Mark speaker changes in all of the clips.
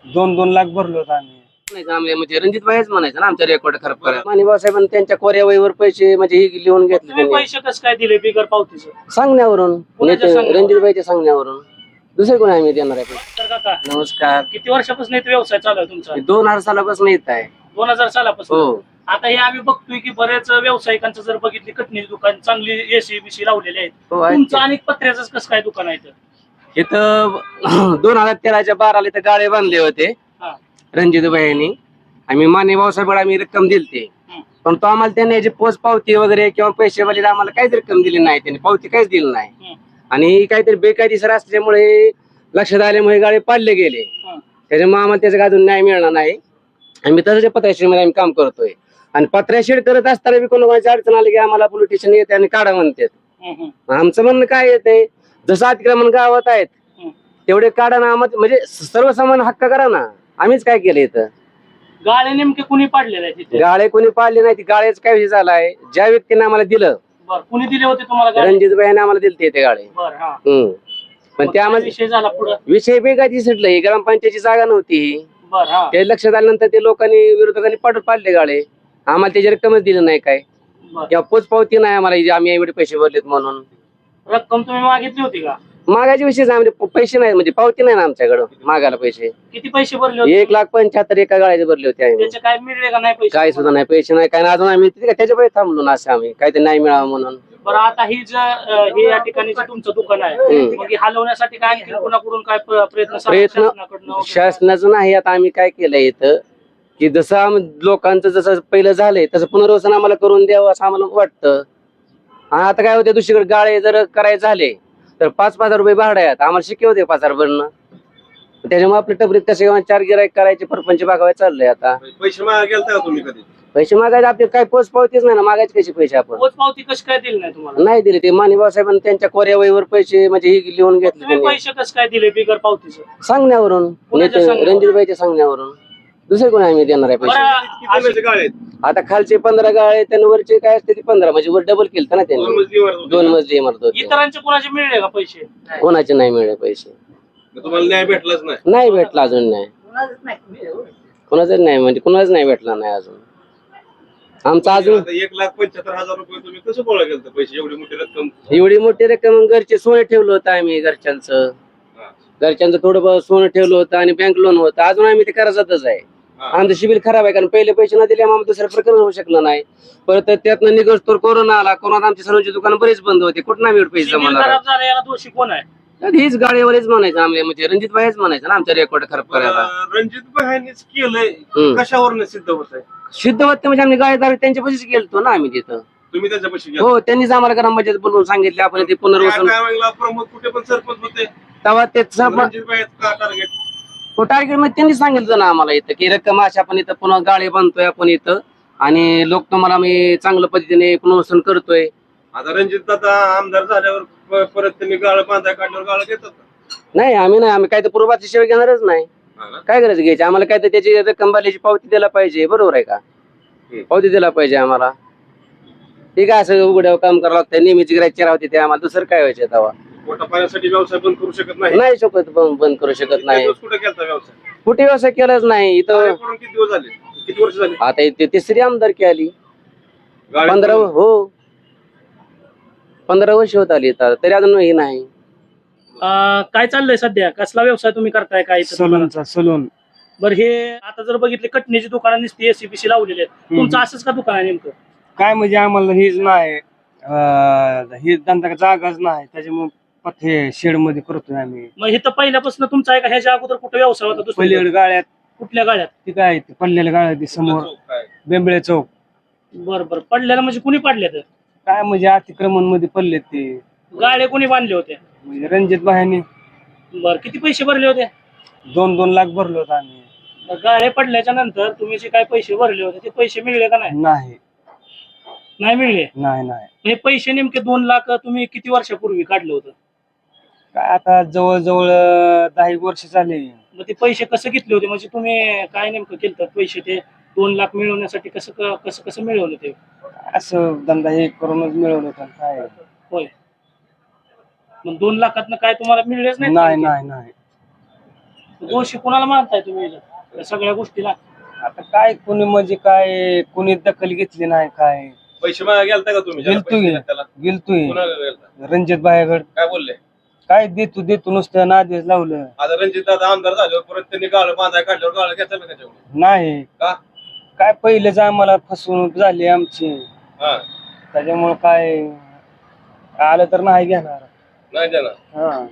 Speaker 1: 2-2 लाख भरलो होतो आम्ही.
Speaker 2: आम्ही म्हणजे रणजित भाईच म्हणायचं ना आमच्या रेकॉर्ड खराब करा. माने भाऊसाहेबांनी त्यांच्या कोऱ्या वहीवर पैसे म्हणजे हे लिहून घेतले
Speaker 3: तुम्ही
Speaker 2: त्यांनी
Speaker 3: पैसे कसं काय दिले बिगर पावतीचं?
Speaker 2: सांगण्यावरून
Speaker 3: कोणाच्या सांगण्यावरून?
Speaker 2: रणजित भाईच्या सांगण्यावरून. दुसरे कोणी आम्ही देणार आहे पैसे?
Speaker 3: तर काका
Speaker 2: नमस्कार.
Speaker 3: किती वर्षापासून इथे व्यवसाय चालू आहे तुमचा?
Speaker 2: 2000 सालापासून येत आहे.
Speaker 3: 2000 सालापासून.
Speaker 2: हो.
Speaker 3: आता हे आम्ही बघतोय की बरेच व्यावसायिकांचं जर बघितली कटणी दुकान चांगली एसी बीसी लावलेले आहेत.
Speaker 2: हो, आहेत
Speaker 3: तुमचं
Speaker 2: ते.
Speaker 3: अनेक पत्र्याच कसं काय दुकान आहे इथं?
Speaker 2: इथं 2013च्या 12ला इथं गाळे बांधले होते
Speaker 3: हा.
Speaker 2: रणजित भाईंनी. आम्ही माने भाऊसाहेबांना आम्ही रक्कम दिलते,
Speaker 3: हम्म.
Speaker 2: पण तो आम्हाला त्यांनी याची पोच पावती वगैरे किंवा पैसे वगैरे आम्हाला काहीच रक्कम दिली नाही, त्यांनी पावती काहीच दिली नाही.
Speaker 3: हम्म.
Speaker 2: आणि काहीतरी बेकायदेशीर असल्यामुळे लक्षात आल्यामुळे गाळे पाडले गेले.
Speaker 3: हम्म.
Speaker 2: त्याच्यामुळे आम्हाला त्याचा अजून न्याय मिळणार नाही. आम्ही तसंच पत्र्याशीडमध्ये आम्ही काम करतोय आणि पत्र्याशीड करत असताना बी कोणाची अडचण आली की आम्हाला पोलीस स्टेशन येते आणि काढा म्हणतात.
Speaker 3: हम्म.
Speaker 2: आमचं म्हणणं काय येते, जसं अतिक्रमण गावात आहेत
Speaker 3: हम्म.
Speaker 2: तेवढे काढा ना, म्हणजे सर्वसामान्य हक्क करा ना. आम्हीच काय केलं इथं?
Speaker 3: गाळे नेमके कुणी पाडलेले आहेत इथे?
Speaker 2: गाळे कोणी पाळले नाही. गाळ्याच काय विषय झालाय, ज्या व्यक्तीने आम्हाला दिलं,
Speaker 3: बर कुणी दिले होते तुम्हाला गाळे?
Speaker 2: रणजित भाईने आम्हाला दिलते ते गाळे.
Speaker 3: बर हा.
Speaker 2: पण
Speaker 3: मग
Speaker 2: ते
Speaker 3: काय
Speaker 2: आम्हाला
Speaker 3: विषय झाला पुढं?
Speaker 2: विषय बेगाची सुटलं. ही ग्रामपंचायतीची जागा नव्हती.
Speaker 3: बर हा.
Speaker 2: ते लक्षात आल्यानंतर ते लोकांनी विरोधकांनी पाडले गाळे. आम्हाला त्याची रक्कमच दिली नाही काय,
Speaker 3: बर
Speaker 2: किंवा पोच पावती नाही आम्हाला जी आम्ही एवढे पैसे भरलेत म्हणून.
Speaker 3: रक्कम तुम्ही मागितली होती का?
Speaker 2: मागायचे विषय म्हणजे पैसे नाही, म्हणजे पावती नाही ना आमच्याकडं मागायला पैसे.
Speaker 3: किती पैसे भरले होते?
Speaker 2: 1,75,000 एका गाळ्याचे भरले होते आम्ही.
Speaker 3: त्याचे काय मिळले का नाही पैसे?
Speaker 2: काय सुद्धा नाही, पैसे नाही काय नाही. अजून आम्ही त्याच्या पैसे थांबलो ना, असं आम्ही काहीतरी नाही मिळावं म्हणून.
Speaker 3: बरं आता ही हे या ठिकाणी जे तुमचं दुकान आहे मग हे हलवण्यासाठी काय आणखी कोणाकडून काय प्रयत्न शासनाकडनं वगैरे?
Speaker 2: शासनाचं नाही. आता आम्ही काय केलंय इथं, की जसं लोकांचं जसं पहिलं झालंय तसं पुनर्वसन आम्हाला करून द्यावं असं आम्हाला वाटतं. आणि आता काय होते, दुसरीकडे गाळे जर करायचे झाले तर 5,000 रुपये भाडं आहेत. आम्हाला शिकवते 5,000 भरणं. त्याच्यामुळे आपल्या टपरीत कसे 4 गिराईक करायचे, परपंच भागावे चाललंय. आता
Speaker 1: पैसे मागा गेलता का तुम्ही कधी?
Speaker 2: पैसे मागायचे आपले काय पोच पावतीच नाही ना, मागायचे कसे पैसे आपण?
Speaker 3: पोच पावती कशी काय दिली नाही तुम्हाला?
Speaker 2: नाही दिले. ते माने भाऊसाहेबांनी त्यांच्या कोऱ्या वहीवर पैसे म्हणजे हे लिहून घेतले
Speaker 3: तुम्ही
Speaker 2: त्यांनी
Speaker 3: पैसे कसं काय दिले बिगर पावतीचं?
Speaker 2: सांगण्यावरून.
Speaker 3: कोणाच्या सांगण्यावरून?
Speaker 2: रणजित भाईच्या सांगण्यावरून. दुसरे कोणी आम्ही देणार आहे पैसे?
Speaker 1: किती महिन्याचे गाळे आहेत?
Speaker 2: आता खालचे 15 गाळे, त्यांना वरचे काय असते ते 15, म्हणजे वर डबल केलं ना
Speaker 1: 2
Speaker 2: त्यांनी.
Speaker 1: मजली इमारत होती.
Speaker 2: 2 मजली इमारत होती.
Speaker 3: इतरांचे कोणाचे मिळले का पैसे?
Speaker 2: कोणाचे नाही मिळाले पैसे.
Speaker 1: मग तुम्हाला न्याय भेटलाच नाही.
Speaker 2: नाही भेटला अजून. नाही कोणाचाच नाही, म्हणजे कोणालाच नाही भेटला नाही अजून. आमचा अजून
Speaker 1: आता 1,75,000 रुपये तुम्ही कसं गोळा केलं पैसे? एवढी मोठी रक्कम.
Speaker 2: एवढी मोठी रक्कम घरचे सोने ठेवलं होतं आम्ही. घरच्यांचं थोडं सोनं ठेवलं होतं आणि बँक लोन होतं. अजून आम्ही ते कर्जातच आहे. आमचं सिबिल खराब आहे, कारण पहिले पैसे न दिले आम्हाला दुसरं प्रकरण होऊ शकलं नाही. परत त्यातनं निघस तर कोरोना आला. कोरोनात आमची सर्वांची दुकानं बरेच बंद होते. कुठं आम्ही एवढे पैसे
Speaker 3: सिबिल
Speaker 2: जमवणार?
Speaker 3: खराब झाला याला दोषी कोण आहे?
Speaker 2: हीच गाडीवरच म्हणायचं आम्ही, म्हणजे रणजित भाईच म्हणायचं ना आमच्या रेकॉर्ड खराब करायला.
Speaker 1: रणजित भाईंनीच केलंय. कशावर सिद्ध होत आहे?
Speaker 2: सिद्ध होते म्हणजे आम्ही गाळेदार त्यांच्या पैसेच गेलतो ना आम्ही तिथं.
Speaker 1: तुम्ही त्याच्यापाशी गेला.
Speaker 2: हो, त्यांनीच आम्हाला ग्रामपंचायत बोलवून सांगितले आपण ते पुनर्वसन.
Speaker 1: त्या टायमिंगला प्रमोद कुठे पण सरपंच होते.
Speaker 2: तेव्हा ते
Speaker 1: रणजित भाई का टार्गेट?
Speaker 2: टार्गेट मध्ये त्यांनी सांगितलं ना आम्हाला इथं की रक्कम अशा आपण इथं पुन्हा गाळे बांधतोय आपण इथं आणि लोक तुम्हाला मी चांगल्या पद्धतीने पुनर्वसन करतोय.
Speaker 1: आता रणजित दादा आमदार झाल्यावर परत त्यांनी गाळ बांधाय काढल्यावर गाळ घेतात.
Speaker 2: नाही आम्ही काय तर पूर्वाची सेवा घेणारच नाही. काय करायचं घ्यायची आम्हाला? काय तर त्याची रक्कम भरल्याची पावती द्यायला पाहिजे. बरोबर आहे का? पावती द्यायला पाहिजे आम्हाला. ठीक आहे, असं उघड्यावर काम करावं लागतं. नेहमीची गिराईक होते ते आम्हाला. दुसरं काय व्हायचं तेव्हा?
Speaker 1: पोटा पाण्यासाठी व्यवसाय बंद करू शकत नाही.
Speaker 2: नाही शकत, बंद करू शकत नाही.
Speaker 1: कुठे केलता व्यवसाय?
Speaker 2: कुठे व्यवसाय केलाच नाही इथं.
Speaker 1: किती दिवस झाले? किती वर्ष झाली?
Speaker 2: आता इथे तिसरी आमदारकी आली.
Speaker 1: गाळे
Speaker 2: 15 हो 15 वर्ष होत आली तर तरी अजून हे नाही.
Speaker 3: काय चाललंय सध्या? कसला व्यवसाय तुम्ही करताय काय इथं दुकानात?
Speaker 1: सलून.
Speaker 3: बरं हे आता जर बघितले कटणीची दुकानं नुसती एसीबीसी लावलेली आहेत. तुमचं असंच का दुकान आहे नेमकं?
Speaker 1: काय म्हणजे आम्हाला हेच नाही, हे धंदा जागाच नाही, त्याच्यामुळे पथे शेड मध्ये करतोय आम्ही.
Speaker 3: मग हे तर पहिल्यापासून तुमचा आहे का? ह्याच्या अगोदर कुठं व्यवसाय होता दुसरीकडे?
Speaker 1: पलीकडे गाळ्यात
Speaker 3: कुठल्या गाड्यात?
Speaker 1: ती काय ते पडलेल्या गाळ्यात समोर बेंबळे चौक.
Speaker 3: बरं बरं. पडलेलं म्हणजे कुणी पडले तर?
Speaker 1: काय म्हणजे अतिक्रमण मध्ये पडले ते.
Speaker 3: गाड्या कोणी बांधले होते?
Speaker 1: म्हणजे रणजित भाईंनी.
Speaker 3: बरं किती पैसे भरले होते?
Speaker 1: 2-2 लाख भरलो होतो आम्ही.
Speaker 3: मग गाड्या पडल्याच्या नंतर तुम्ही जे काय पैसे भरले होते ते पैसे मिळले का नाही? नाही मिळले.
Speaker 1: नाही
Speaker 3: हे पैसे नेमके 2 लाख तुम्ही किती वर्षापूर्वी काढलं होतं?
Speaker 1: काय आता जवळजवळ 10 वर्ष झाले.
Speaker 3: मग ते पैसे कसे घेतले होते? म्हणजे तुम्ही काय नेमकं केलं पैसे ते 2 लाख मिळवण्यासाठी? कसं कसं कसं मिळवलं ते?
Speaker 1: असं धंदा हे करूनच मिळवलं होतं. काय
Speaker 3: होय. मग 2 लाखातनं काय तुम्हाला मिळलेच नाही?
Speaker 1: नाही
Speaker 3: दोषी कोणाला मानताय तुम्ही या सगळ्या गोष्टीला?
Speaker 1: आता काय कुणी म्हणजे काय कुणी दखल घेतली नाही काय.
Speaker 4: पैसे मागा गेलता का तुम्ही? ज्याला
Speaker 1: गेलतो
Speaker 4: पैसे
Speaker 1: की.
Speaker 4: दिले त्याला
Speaker 1: गेलतोय
Speaker 4: कोणाला गेलता?
Speaker 1: रणजित भायागड.
Speaker 4: काय बोलले?
Speaker 1: काय देतो देतो नुसतं नादेश लावलं.
Speaker 4: आता रणजित दादा आमदार झाल्यावर परत त्यांनी गाळ बांधाय काढल्यावर गाळ घेतला का त्याच्यावर?
Speaker 1: नाही
Speaker 4: का?
Speaker 1: काय पहिलेच आम्हाला फसवणूक झाली आमची,
Speaker 4: हा
Speaker 1: त्याच्यामुळे काय आलं तर नाही घेणार.
Speaker 4: नाही देणार.
Speaker 1: हा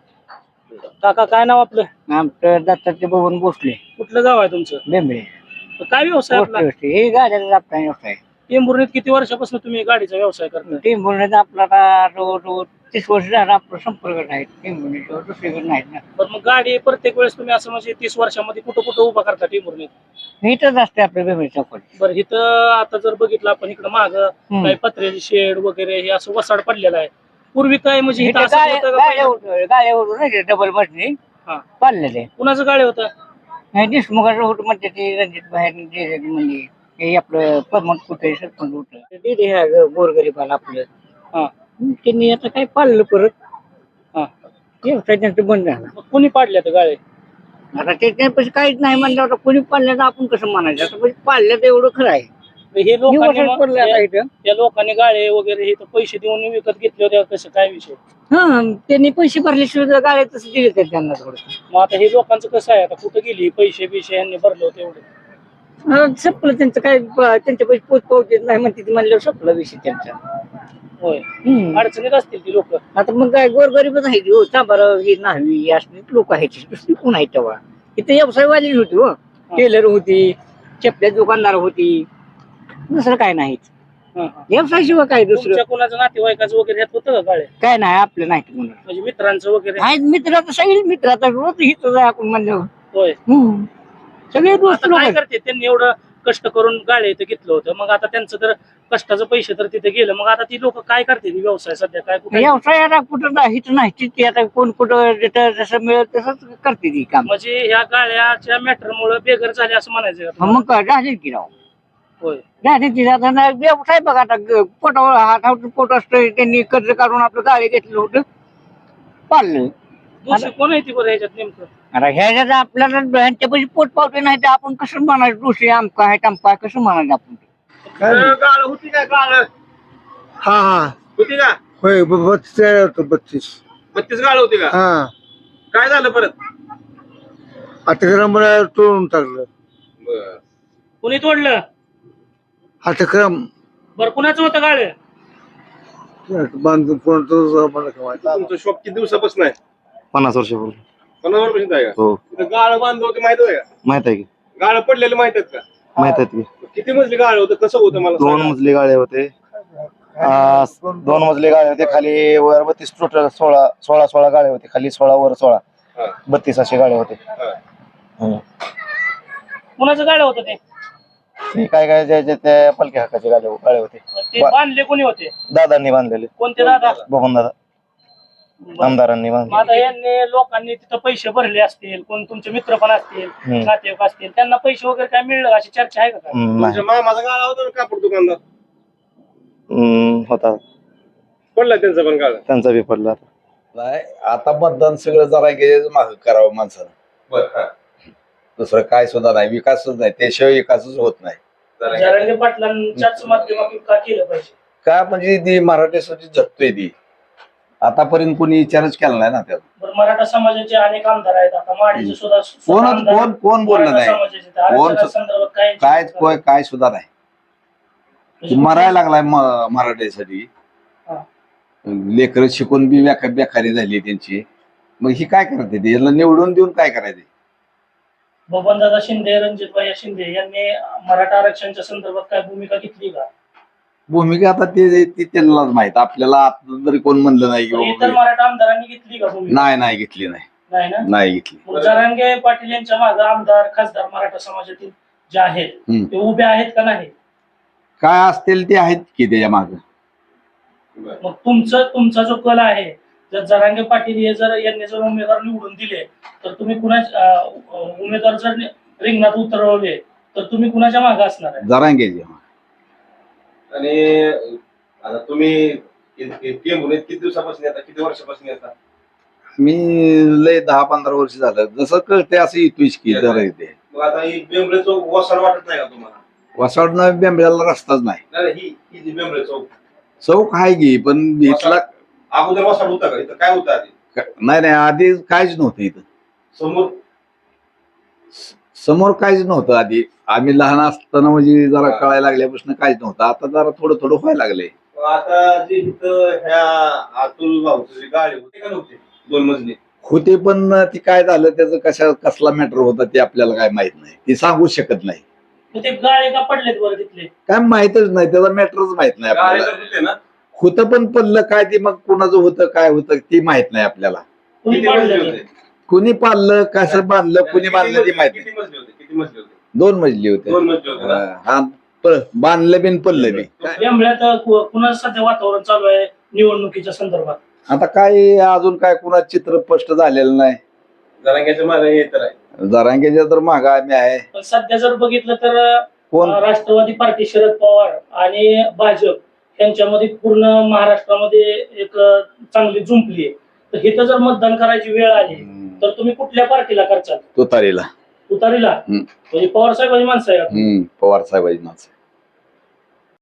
Speaker 3: काका काय नाव आपलं?
Speaker 5: आमचं दत्ताचे भवन भोसले
Speaker 3: कुठलं गाव आहे तुमचं?
Speaker 5: बेंबळे
Speaker 3: काय व्यवसाय आपला?
Speaker 5: हे गाड्याचा आपला व्यवसाय
Speaker 3: टेंभुर्णीत किती वर्षापासून तुम्ही गाडीचा व्यवसाय करता?
Speaker 5: टेंबुर्णीत आपला आता रोज 30 वर्ष झाला आपला संपर्क नाही टेंबुर्णीच्या दुसरीकडे नाहीत ना.
Speaker 3: पण मग गाडी प्रत्येक वेळेस तुम्ही असं म्हणजे 30 वर्षामध्ये कुठं कुठं उभा करता टेंभुर्णीत?
Speaker 5: इथंच असते आपल्या बेंबळे चौकात.
Speaker 3: बरं इथं आता जर बघितलं आपण इकडं माग काही पत्र्याची शेड वगैरे हे असं वसाड पडलेलं आहे. पूर्वी काय म्हणजे इथं असं होतं का पहिलं?
Speaker 5: गाड्यावर नाही डबल मशनी
Speaker 3: हा.
Speaker 5: पाडलेले
Speaker 3: कुणाचं गाडी होतं?
Speaker 5: नाही देशमुखाचं होतं म्हणते ते रणजित बाहेर म्हणजे हे आपलं परमत कुठे सरपंच होतं ते ह्या गोरगरीबाला आपलं.
Speaker 3: हा.
Speaker 5: त्यांनी आता काय पाळलं परत.
Speaker 3: हा.
Speaker 5: व्यवसाय त्यांचं बंद झाला.
Speaker 3: मग कुणी पाडल्या त्या गाड्या?
Speaker 5: आता त्याच्यापाशी काहीच नाही म्हणलं होतं कोणी पाळलं तर आपण कसं म्हणायचं आता पाळलं तर एवढं खरं आहे.
Speaker 3: हे लोकांनी
Speaker 5: वर्षात पडलं आता
Speaker 3: मग
Speaker 5: इथं.
Speaker 3: त्या लोकांनी गाळे वगैरे हे तर पैसे देऊन विकत घेतले होते कसं काय विषय?
Speaker 5: हा त्यांनी पैसे भरल्याशिवाय गाड्या तसं दिले तर त्यांना थोडं.
Speaker 3: मग आता हे लोकांचं कसं आहे आता कुठं गेली पैसे बिशे यांनी भरले होते एवढे?
Speaker 5: संपलं त्यांचं काय त्यांच्या पैसे पोच पावते नाही म्हणते म्हणल्यावर संपला विषय त्यांचा.
Speaker 3: होय.
Speaker 5: हम्म.
Speaker 3: अडचणीत असतील ती लोक.
Speaker 5: आता मग काय गोरगरीबच आहे हो चांबार ही न्हावी असली लोक आहेत दुसरी कोण आहे तेव्हा. इथे व्यवसायवाली होती हो टेलर होती चपल्या दुकानदार होती दुसरं काय नाही व्यवसाय शिवाय काय दुसरं
Speaker 3: तुमच्या कुणाचं नातेवाईकाचं वगैरे ह्यात होतं का गाळे?
Speaker 5: काय नाही आपलं नाही म्हणून.
Speaker 3: म्हणजे मित्रांचं वगैरे?
Speaker 5: आहेत मित्र आता सगळे मित्र आता रोज हिथं जाय आपण म्हणल्यावर.
Speaker 3: होय.
Speaker 5: सगळे दोस्त
Speaker 3: आता
Speaker 5: लोक
Speaker 3: काय
Speaker 5: आहेत.
Speaker 3: करते त्यांनी एवढं कष्ट करून गाळे इथं घेतलं होतं मग आता त्यांचं तर कष्टाचं पैसे तर तिथे गेलं मग आता ती लोक काय करते व्यवसाय सध्या काय कुठे?
Speaker 5: व्यवसाय आता कुठं नाही हिथं नाही ती आता कोण कुठं जिथं जसं मिळेल तसंच करते ती काम.
Speaker 3: म्हणजे ह्या गाळ्याच्या मॅटरमुळे बेघर झाले असं म्हणायचं का?
Speaker 5: मग काय झाले की राव
Speaker 3: होय.
Speaker 5: झाले की आता नाही व्यवसाय बघा आता पोटावर हातावर पोट असतं त्यांनी कर्ज काढून आपलं गाडी घेतलं होतं पाळलं.
Speaker 3: दुसरं कोण आहे ती बरं ह्याच्यात नेमकं?
Speaker 5: आता ह्याच्यात आपल्याला ह्यांच्या पैसे पोट पावते नाही तर आपण कसं म्हणायचं दुसरे आमका आहे टमका आहे कसं म्हणायचं आपण.
Speaker 4: गाळ होती का गाळ?
Speaker 6: हा हा
Speaker 4: होती का?
Speaker 6: होय 32
Speaker 4: 32 गाळ होती का?
Speaker 6: हा
Speaker 4: काय झालं परत?
Speaker 6: अतिक्रम तोडून टाकलं.
Speaker 4: बर.
Speaker 3: कुणी तोडलं?
Speaker 6: अतिक्रम
Speaker 3: बरं कुणाचं होतं गाळे?
Speaker 6: बांधून कोणतं मला काय माहित.
Speaker 4: तुमचं शॉप किती दिवसापासून आहे?
Speaker 7: 50 वर्षापूर्वी.
Speaker 4: 50 वर्षापासून आहे का?
Speaker 7: हो
Speaker 4: तिथं गाळ बांधलं होते माहित आहे का?
Speaker 7: माहित आहे की
Speaker 4: गाळ पडलेले माहित आहेत का?
Speaker 7: माहित आहे की
Speaker 4: किती मजली गाळ होतं कसं होतं मला
Speaker 7: 2
Speaker 4: सांगा.
Speaker 7: मजली गाळे होते. 2 मजली गाळे होते खाली वर 32 टोटल 16 गाळे होते खाली 16 वर 16
Speaker 4: हा.
Speaker 7: 32 असे गाळे होते.
Speaker 4: हा.
Speaker 7: हम्म.
Speaker 3: कुणाचं गाळे होतं ते?
Speaker 7: ते काय काय ज्याचे त्या पलकी हक्काचे गाळे होते.
Speaker 3: ते बांधले कोणी होते?
Speaker 7: दादांनी बांधलेले.
Speaker 3: कोणते दादा?
Speaker 7: बघून दादा आमदारांनी
Speaker 3: मग
Speaker 7: बांधले.
Speaker 3: आता यांनी लोकांनी तिथं पैसे भरले असतील कोण तुमचे मित्र पण असतील नातेवाईक असतील त्यांना पैसे वगैरे काय मिळलं अशी चर्चा आहे का काय?
Speaker 7: नाही.
Speaker 4: तुमच्या मामाचा गाळा होता ना कापड दुकानदार
Speaker 7: होता
Speaker 4: पडला त्यांचा पण गाळा.
Speaker 7: त्यांचा बी पडला.
Speaker 8: नाही आता मतदान सगळं जरा माग करावं माणसानं.
Speaker 4: बर. हा.
Speaker 8: दुसरं काय सुद्धा नाही विकासच नाही त्याशिवाय विकासच होत नाही.
Speaker 3: जरांगे पाटलांच्याच माध्यमातून का केलं पाहिजे?
Speaker 8: का म्हणजे ती मराठीसाठी झटतोय ती आतापर्यंत कोणी विचारच केला नाही ना त्यात.
Speaker 3: बरं, मराठा समाजाचे अनेक आमदार आहेत आता माडीचे सुद्धा
Speaker 8: कोण
Speaker 3: आमदार
Speaker 8: कोण कोण बोललं
Speaker 3: मराठा
Speaker 8: नाही
Speaker 3: समाजाचे आहेत. आरक्षणासंदर्भात
Speaker 8: काय सुद्धा नाही.
Speaker 3: म्हणजे
Speaker 8: मरायला लागलाय मराठीसाठी.
Speaker 3: हा.
Speaker 8: लेकरं शिकून बी बेकारी झाली त्यांची. मग ही काय करते ते याला निवडून देऊन काय करायचे.
Speaker 3: बबनदादा शिंदे रणजितभाई शिंदे यांनी मराठा आरक्षणाच्या संदर्भात काय भूमिका घेतली का?
Speaker 8: भूमिका आता ते त्यांनाच माहित आपल्याला आता जरी कोण म्हणलं नाही की
Speaker 3: इतर
Speaker 8: बाबा
Speaker 3: मराठा आमदारांनी घेतली का भूमिका?
Speaker 8: नाही घेतली नाही
Speaker 3: नाही ना.
Speaker 8: नाही घेतली.
Speaker 3: मग जरांगे पाटील यांच्या मागे आमदार खासदार मराठा समाजातील जे आहेत ते उभे आहेत का नाही?
Speaker 8: काय असतील ते आहेत की त्याच्या माग.
Speaker 3: मग तुमचा जो कल आहे जर जरांगे पाटील हे यांनी जर उमेदवार निवडून दिले तर तुम्ही उमेदवार जर रिंगणात उतरवले तर तुम्ही कुणाच्या मागे असणार आहे?
Speaker 8: जरांगेचे.
Speaker 4: आणि आता तुम्ही किती दिवसापासून येता किती वर्षापासून येता?
Speaker 8: मी लय 10-15 वर्ष झालं जसं कळते असं येतोय की जरा येते.
Speaker 4: मग आता ही बेंबळे चौक वसाड वाटत नाही का तुम्हाला?
Speaker 8: वसाडनं बेंबळ्याला रस्ताच नाही.
Speaker 4: नाही, ही जी बेंबळे चौक
Speaker 8: चौक आहे की पण इथला
Speaker 4: अगोदर वसाड होता का? इथं काय होतं आधी?
Speaker 8: नाही आधी काहीच नव्हतं इथं.
Speaker 4: समोर
Speaker 8: समोर काहीच नव्हतं आधी. आम्ही लहान असताना म्हणजे जरा कळायला लागल्यापासून काहीच नव्हतं. आता जरा थोडं थोडं व्हायला लागले.
Speaker 4: आता जे इथं ह्या अतुल भाऊची जी गाडी होती का नव्हती 2 मजली?
Speaker 8: होते पण ती काय झालं त्याचं कसला मॅटर होता ते आपल्याला काय माहित नाही. ती सांगू शकत नाही.
Speaker 3: मग ते गाळे का पडलेत बरं तिथले?
Speaker 8: काय माहितच नाही त्याचा मॅटरच माहित नाही
Speaker 4: गाडी
Speaker 8: आपल्याला.
Speaker 4: तर होते ना?
Speaker 8: होतं पण पडलं काय ते मग कुणाचं होतं काय होतं ते माहित नाही आपल्याला.
Speaker 3: कुणी
Speaker 4: किती मजली
Speaker 3: पाडलं ते?
Speaker 4: होते?
Speaker 8: कुणी पाळलं कसं बांधलं कुणी बांधलं ते माहित नाही.
Speaker 4: किती मजली होते? किती मजली होते?
Speaker 8: 2 मजली होते.
Speaker 4: 2 मजली होते ना?
Speaker 8: हा बांधलं बिन पडलं बी.
Speaker 3: बेंबळ्यात कुणाचं सध्या वातावरण चालू आहे निवडणुकीच्या संदर्भात?
Speaker 8: आता काय अजून काय कुणाचं चित्र स्पष्ट झालेलं नाही.
Speaker 4: जरांग्याच्या मागे हे तर आहे.
Speaker 8: जरांगेच्या तर मागं आम्ही आहे.
Speaker 3: पण सध्या जर बघितलं तर
Speaker 8: कोण
Speaker 3: राष्ट्रवादी पार्टी शरद पवार आणि भाजप यांच्यामध्ये पूर्ण महाराष्ट्रामध्ये एक चांगली जुंपली आहे. तर इथं जर मतदान करायची वेळ आली तर तुम्ही कुठल्या पार्टीला करचाल?
Speaker 8: तुतारीला.
Speaker 3: तुतारीला? म्हणजे पवार साहेबांची माणसं आहे का?
Speaker 8: पवार साहेबांची माणसं.